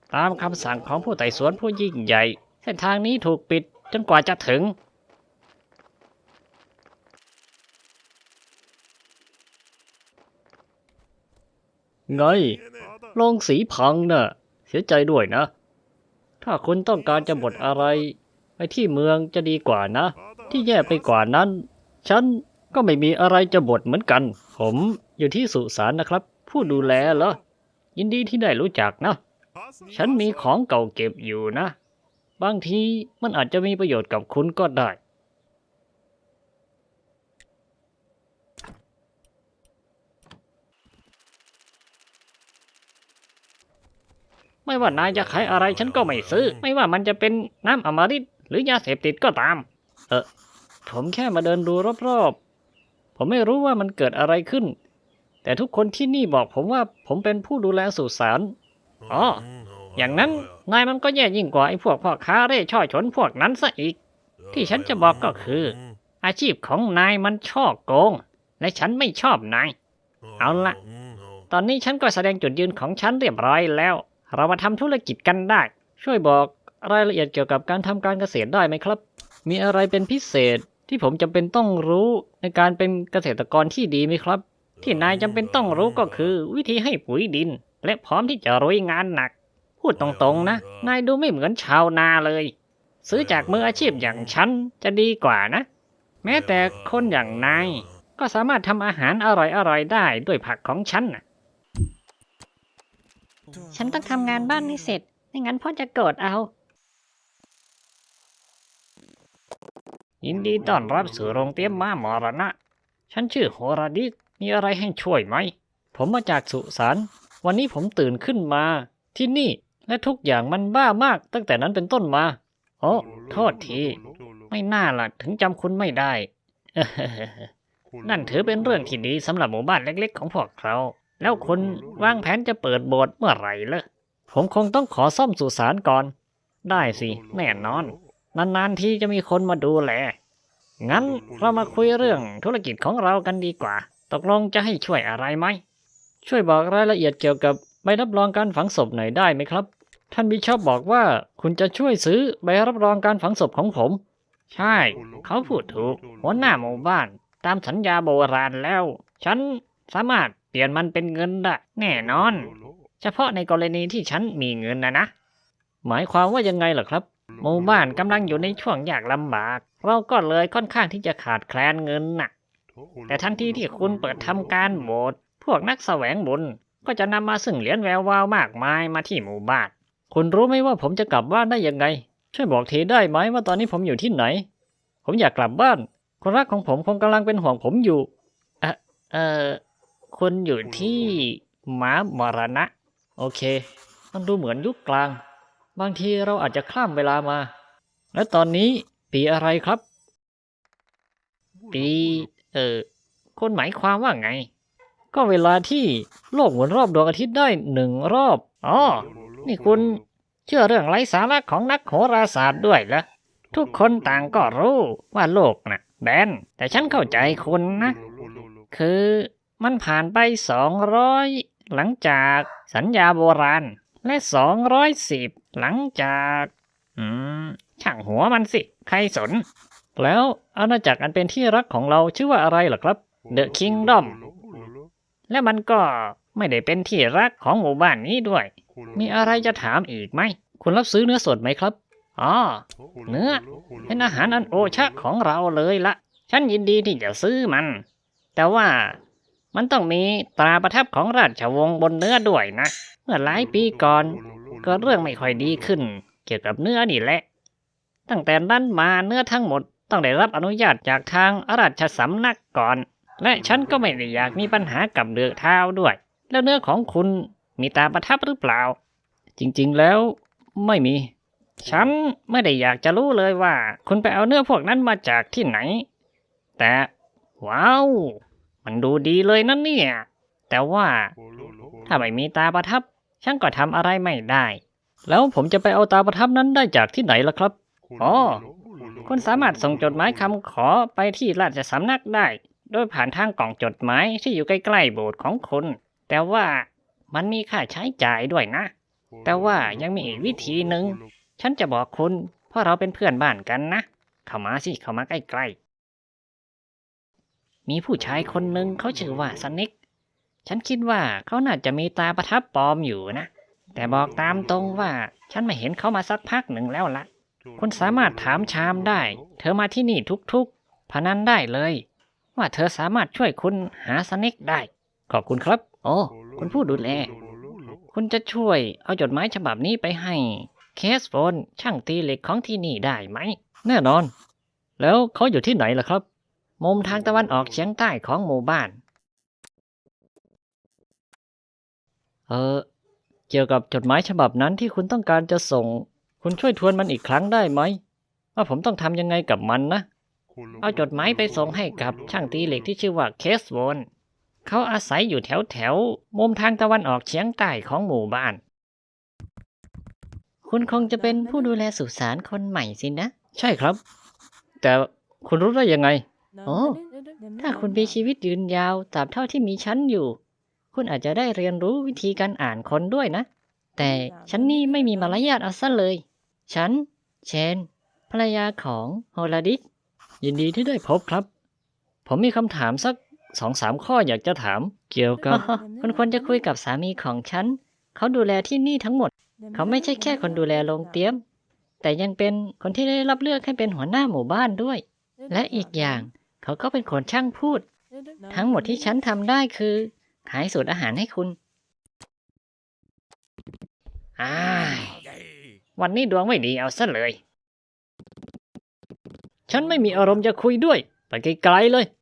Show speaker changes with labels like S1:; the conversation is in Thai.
S1: ตามคำสั่งของผู้ไต่สวนผู้ยิ่งใหญ่เส้นทางนี้ถูกปิดจนกว่าจะถึงไงโรงสีพังน่ะเสียใจด้วยนะถ้าคุณต้องการจะบดอะไรไปที่เมืองจะดีกว่านะที่แย่ไปกว่านั้นฉันก็ไม่มีอะไรจะบดเหมือนกันผมอยู่ที่สุสานนะครับผู้ดูแลเหรอยินดีที่ได้รู้จักนะฉันมีของเก่าเก็บอยู่นะบางทีมันอาจจะมีประโยชน์กับคุณก็ได้ไม่ว่านายจะขายอะไรฉันก็ไม่ซื้อไม่ว่ามันจะเป็นน้ำอมฤตหรือยาเสพติดก็ตามผมแค่มาเดินดูรอบๆผมไม่รู้ว่ามันเกิดอะไรขึ้นแต่ทุกคนที่นี่บอกผมว่าผมเป็นผู้ดูแลสุสานอ๋ออย่างนั้นนายมันก็แย่ยิ่งกว่าไอ้พวกพ่อค้าเร่ช่อฉนพวกนั้นซะอีกที่ฉันจะบอกก็คืออาชีพของนายมันช่อโกงและฉันไม่ชอบนายเอาละตอนนี้ฉันก็แสดงจุดยืนของฉันเรียบร้อยแล้วเรามาทำธุรกิจกันได้ช่วยบอกรายละเอียดเกี่ยวกับการทำการเกษตรได้ไหมครับมีอะไรเป็นพิเศษที่ผมจำเป็นต้องรู้ในการเป็นเกษตรกรที่ดีไหมครับที่นายจำเป็นต้องรู้ก็คือวิธีให้ปุ๋ยดินและพร้อมที่จะลุยงานหนักพูดตรงๆนะนายดูไม่เหมือนชาวนาเลยซื้อจากมืออาชีพอย่างฉันจะดีกว่านะแม้แต่คนอย่างนายก็สามารถทำอาหารอร่อยๆได้ด้วยผักของฉันนะฉันต้องทำงานบ้านให้เสร็จไม่งั้นพ่อจะโกรธเอายินดีต้อนรับสู่โรงเตรียมม้ามรณะฉันชื่อโฮราดิสมีอะไรให้ช่วยไหมผมมาจากสุสานวันนี้ผมตื่นขึ้นมาที่นี่และทุกอย่างมันบ้ามากตั้งแต่นั้นเป็นต้นมาโอ้โทษทีไม่น่าล่ะถึงจำคุณไม่ได้ นั่นถือเป็นเรื่องที่ดีสำหรับหมู่บ้านเล็กๆของพวกเราแล้วคุณวางแผนจะเปิดโบสถ์เมื่อไหร่ล่ะผมคงต้องขอซ่อมสุสานก่อนได้สิแน่นอนนานๆทีจะมีคนมาดูแลงั้นเรามาคุยเรื่องธุรกิจของเรากันดีกว่าตกลงจะให้ช่วยอะไรไหมช่วยบอกรายละเอียดเกี่ยวกับใบรับรองการฝังศพหน่อยได้ไหมครับท่านบิชอปบอกว่าคุณจะช่วยซื้อใบรับรองการฝังศพของผมใช่เขาพูดถูกหัวหน้าหมู่บ้านตามสัญญาโบราณแล้วฉันสามารถเปลี่ยนมันเป็นเงินได้แน่นอนเฉพาะในกรณีที่ฉันมีเงินนะหมายความว่ายังไงล่ะครับหมู่บ้านกำลังอยู่ในช่วงยากลำบากเราก็เลยค่อนข้างที่จะขาดแคลนเงินน่ะแต่ทันทีที่คุณเปิดทำการโบสถ์พวกนักแสวงบุญก็จะนำมาซึ่งเหรียญแวววาวมากมายมาที่หมู่บ้านคุณรู้ไหมว่าผมจะกลับบ้านได้ยังไงช่วยบอกทีได้ไหมว่าตอนนี้ผมอยู่ที่ไหนผมอยากกลับบ้านคนรักของผมคงกำลังเป็นห่วงผมอยู่เออเออคุณอยู่ที่ม้ามรณะโอเคมันดูเหมือนยุคกลางบางทีเราอาจจะข้ามเวลามาและตอนนี้ปีอะไรครับปีคุณหมายความว่าไงก็เวลาที่โลกหมุนรอบดวงอาทิตย์ได้1 รอบอ๋อนี่คุณเชื่อเรื่องไร้สาระของนักโหราศาสตร์ด้วยเหรอทุกคนต่างก็รู้ว่าโลกน่ะแบนแต่ฉันเข้าใจคุณนะคือมันผ่านไป200หลังจากสัญญาโบราณและ210หลังจากช่างหัวมันสิใครสนแล้วอาณาจักรอันเป็นที่รักของเราชื่อว่าอะไรล่ะครับ The Kingdom และมันก็ไม่ได้เป็นที่รักของหมู่บ้านนี้ด้วยมีอะไรจะถามอีกไหมคุณรับซื้อเนื้อสดไหมครับอ๋อเนื้อเป็นอาหารอันโอชะของเราเลยละฉันยินดีที่จะซื้อมันแต่ว่ามันต้องมีตราประทับของราชวงศ์บนเนื้อด้วยนะเมื่อหลายปีก่อนเกิดเรื่องไม่ค่อยดีขึ้นเกี่ยวกับเนื้อนี่แหละตั้งแต่นั้นมาเนื้อทั้งหมดต้องได้รับอนุญาตจากทางราชสำนักก่อนและฉันก็ไม่ได้อยากมีปัญหากับเดือกเท้าด้วยแล้วเนื้อของคุณมีตาประทับหรือเปล่าจริงๆแล้วไม่มีฉันไม่ได้อยากจะรู้เลยว่าคุณไปเอาเนื้อพวกนั้นมาจากที่ไหนแต่ว้าวมันดูดีเลยนั่นเนี่ยแต่ว่าถ้าไม่มีตาประทับฉันก็ทำอะไรไม่ได้แล้วผมจะไปเอาตาประทับนั้นได้จากที่ไหนล่ะครับอ๋อคุณสามารถส่งจดหมายคำขอไปที่ราชสำนักได้โดยผ่านทางกล่องจดหมายที่อยู่ใกล้ๆโบสถ์ของคุณแต่ว่ามันมีค่าใช้จ่ายด้วยนะแต่ว่ายังมีอีกวิธีหนึ่งฉันจะบอกคุณเพราะเราเป็นเพื่อนบ้านกันนะเข้ามาสิเข้ามาใกล้ๆมีผู้ชายคนหนึ่งเขาชื่อว่าสเน็กฉันคิดว่าเขาน่าจะมีตาประทับปลอมอยู่นะแต่บอกตามตรงว่าฉันไม่เห็นเขามาสักพักหนึ่งแล้วละคุณสามารถถามชามได้เธอมาที่นี่ทุกๆพนันได้เลยว่าเธอสามารถช่วยคุณหาสเน็กได้ขอบคุณครับโอ้คุณผู้ดูแลคุณจะช่วยเอาจดหมายฉบับนี้ไปให้เคสโฟนช่างตีเหล็กของที่นี่ได้ไหมแน่นอนแล้วเขาอยู่ที่ไหนล่ะครับมุมทางตะวันออกเฉียงใต้ของหมู่บ้านเออเกี่ยวกับจดหมายฉบับนั้นที่คุณต้องการจะส่งคุณช่วยทวนมันอีกครั้งได้ไหมว่าผมต้องทำยังไงกับมันนะเอาจดหมายไปส่งให้กับช่างตีเหล็กที่ชื่อว่าเคสโวนเขาอาศัยอยู่แถวมุมทางตะวันออกเฉียงใต้ของหมู่บ้านคุณคงจะเป็นผู้ดูแลสุสานคนใหม่สินะใช่ครับแต่คุณรู้ได้ยังไงโอ้ถ้าคุณมีชีวิตยืนยาวตราบเท่าที่มีฉันอยู่คุณอาจจะได้เรียนรู้วิธีการอ่านคนด้วยนะแต่ฉันนี่ไม่มีมารยาทเอาซะเลยฉันเชนภรรยาของโฮลาดิสยินดีที่ได้พบครับผมมีคำถามสัก2-3 ข้ออยากจะถามเกี่ยวกับ คุณควรจะคุยกับสามีของฉันเขาดูแลที่นี่ทั้งหมดเขาไม่ใช่แค่คนดูแลโรงเตรียมแต่ยังเป็นคนที่ได้รับเลือกให้เป็นหัวหน้าหมู่บ้านด้วยและอีกอย่างเขาก็เป็นคนช่างพูดทั้งหมดที่ฉันทำได้คือขายสูตรอาหารให้คุณอ้ายวันนี้ดวงไม่ดีเอาซะเลยฉันไม่มีอารมณ์จะคุยด้วยไปไกลๆเลย